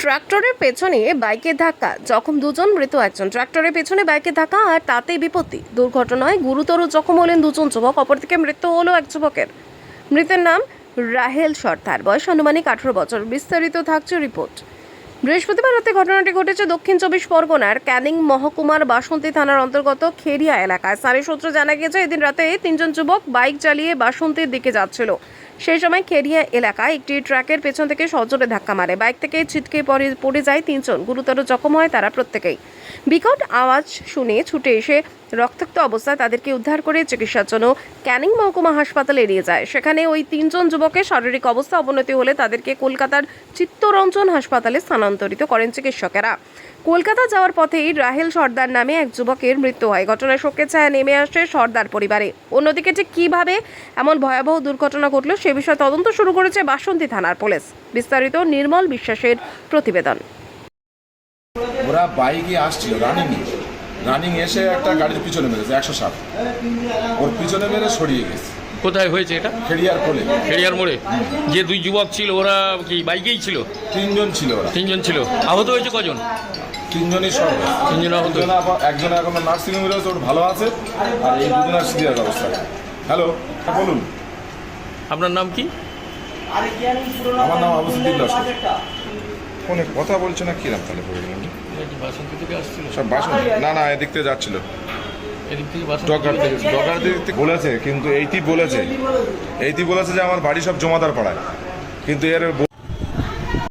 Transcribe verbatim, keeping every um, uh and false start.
ট্রাক্টরের পেছনে বাইকের ধাক্কা, জখম দুজন, মৃত একজন। ট্রাক্টরের পেছনে বাইকের ধাক্কা আর তাতেই বিপত্তি। দুর্ঘটনায় গুরুতর জখম হলেন দুজন যুবক, অপরদিকে মৃত্যু হলো এক যুবকের। মৃতের নাম রাহেল সর্দার, বয়স আনুমানিক আঠারো বছর। বিস্তারিত থাকছে রিপোর্ট। বৃহস্পতিবার রাতে ঘটনাটি ঘটেছে দক্ষিণ চব্বিশ পরগনার ক্যানিং মহকুমার বাসন্তী থানার অন্তর্গত খেরিয়া এলাকায়। স্থানীয় সূত্রে জানা গিয়েছে, এদিন রাতে তিনজন যুবক বাইক চালিয়ে বাসন্তীর দিকে যাচ্ছিল। সেই সময় খেরিয়া এলাকায় একটি ট্রাকের পেছন থেকে সজোরে ধাক্কা মারে। বাইক থেকে ছিটকে পড়ে পড়ে যায় তিনজন। গুরুতর জখম হয় তারা প্রত্যেকেই। বিকট আওয়াজ শুনে ছুটে এসে রক্তাক্ত অবস্থায় তাদেরকে উদ্ধার করে চিকিৎসার জন্য ক্যানিং মহকুমা হাসপাতালে নিয়ে যায়। সেখানে ওই তিনজন যুবকের শারীরিক অবস্থা অবনতি হলে তাদেরকে কলকাতার চিত্তরঞ্জন হাসপাতালে স্থানান্তরিত করেন চিকিৎসকেরা। কলকাতা যাওয়ার পথেই রাহেল সর্দার নামে এক যুবকের মৃত্যু হয়। ঘটনায় শোকের ছায়া নেমে আসে সর্দার পরিবারে। অন্যদিকে ঠিক কিভাবে এমন ভয়াবহ দুর্ঘটনা ঘটল সে বিষয়ে তদন্ত শুরু করেছে বাসন্তী থানার পুলিশ। বিস্তারিত নির্মল বিশ্বাসের প্রতিবেদন। ওরা বাইকে আসছিল রানিং রানিং এসে একটা গাড়ির পিছনে মেরেছে একশো ষাট, ওর পিছনে মেরে সরিয়ে গেছে। কোথায় হয়েছে এটা? খেরিয়ার কোলে, খেড়িয়ার মোড়ে। যে দুই যুবক ছিল ওরা কি বাইকেই ছিল? তিনজন ছিল ওরা। তিনজন ছিল। আহত হয়েছে কজন? তিনজনই সব তিনজন আহত। দুজন আবার একজন এখন নার্সিং হোমে রয়েছে, ওর ভালো আছে, আর এই দুজনের সিরিয়াস অবস্থা। হ্যালো, বলুন। আপনার নাম কি? আমার নাম আবু সিদ্দিক লস্কর। ফোনে কথা বলছে না কিরাম তাহলে বলে গেলাম। বাসন্তী থেকে আসছিল সব বাসন না না এদিক থেকে যাচ্ছিল, এদিক থেকে বাসন্তী ডকার থেকে ডকার দিক থেকে বলেছে, কিন্তু এইটি বলেছে এইটি বলেছে যে আমার বাড়ি সব জমাদার পাড়ায়, কিন্তু এর